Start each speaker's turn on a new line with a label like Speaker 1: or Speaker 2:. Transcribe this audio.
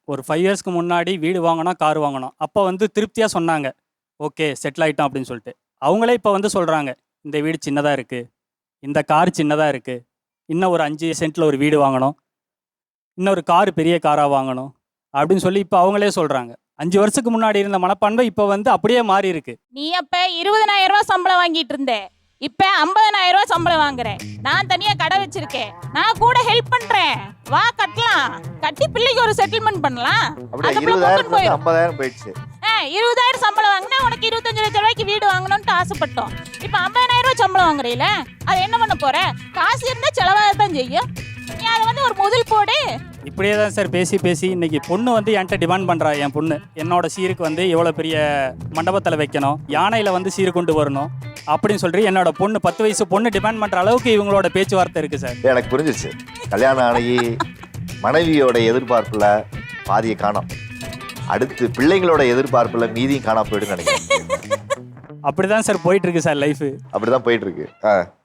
Speaker 1: ஒரு 5 இயர்ஸ்க்கு முன்னாடி வீடு வாங்கணும், கார் வாங்கணும். அப்போ வந்து திருப்தியாக சொன்னாங்க. ஓகே செட்டில் ஆகிட்டோம் அப்படின்னு சொல்லிட்டு. அவங்களே இப்போ வந்து சொல்கிறாங்க, இந்த வீடு சின்னதாக இருக்குது, இந்த கார் சின்னதாக இருக்குது, இன்னும் ஒரு 5 சென்ட்டில் ஒரு வீடு வாங்கணும், இன்னொரு கார் பெரிய காராக வாங்கணும் அப்படின்னு சொல்லி இப்போ அவங்களே சொல்கிறாங்க. 5 வருஷத்துக்கு முன்னாடி இருந்த மனப்பான்மை இப்போ வந்து அப்படியே மாறி இருக்கு.
Speaker 2: நீ அப்ப 20,000 ரூபாய் சம்பளம் வாங்கிட்டு இருந்த, இப்ப 50,000 ரூபாய் சம்பளம் வாங்குறேன். நான் தனியா கடை வச்சிருக்கேன், நான் கூட ஹெல்ப் பண்றேன், வா கட்டலாம், கட்டி பிள்ளைக்கு ஒரு செட்டில்மெண்ட் பண்ணலாம்.
Speaker 3: அப்படியே
Speaker 2: அதுக்குள்ள
Speaker 3: 20,000
Speaker 2: கூட்டிட்டு போயிரு.
Speaker 3: 50,000 போயிடுச்சு.
Speaker 2: 20,000 சம்பளம் வாங்கினா உனக்கு 25 லட்சம் ரூபாய்க்கு வீடு வாங்கணும்னு ஆசைப்பட்டோம். இப்ப 50,000 ரூபாய் சம்பளம் வாங்குறீல, அதை என்ன பண்ண போற? காசு இருந்தா செலவாக தான் செய்யும். நீ அதை வந்து ஒரு முதல் போடு.
Speaker 1: இப்படியே தான் சார் பேசி பேசி இன்னைக்கு பொண்ணு வந்து என்கிட்ட டிமாண்ட் பண்ணுறா. என் பொண்ணு என்னோட சீருக்கு வந்து இவ்வளோ பெரிய மண்டபத்தில் வைக்கணும், யானையில் வந்து சீர் கொண்டு வரணும் அப்படின்னு சொல்லி என்னோட பொண்ணு 10 வயசு பொண்ணு டிமாண்ட் பண்ணுற அளவுக்கு இவங்களோட பேச்சுவார்த்தை இருக்குது சார்.
Speaker 3: எனக்கு புரிஞ்சிருச்சு. கல்யாணம் ஆகி மனைவியோட எதிர்பார்ப்புல பாதியை காணோம், அடுத்து பிள்ளைங்களோட எதிர்பார்ப்புல மீதியும் காணாம போயிடுன்னு நினைக்கிறேன்.
Speaker 1: அப்படி தான் சார் போயிட்டு இருக்கு சார் லைஃபு.
Speaker 3: அப்படிதான் போயிட்டு இருக்கு.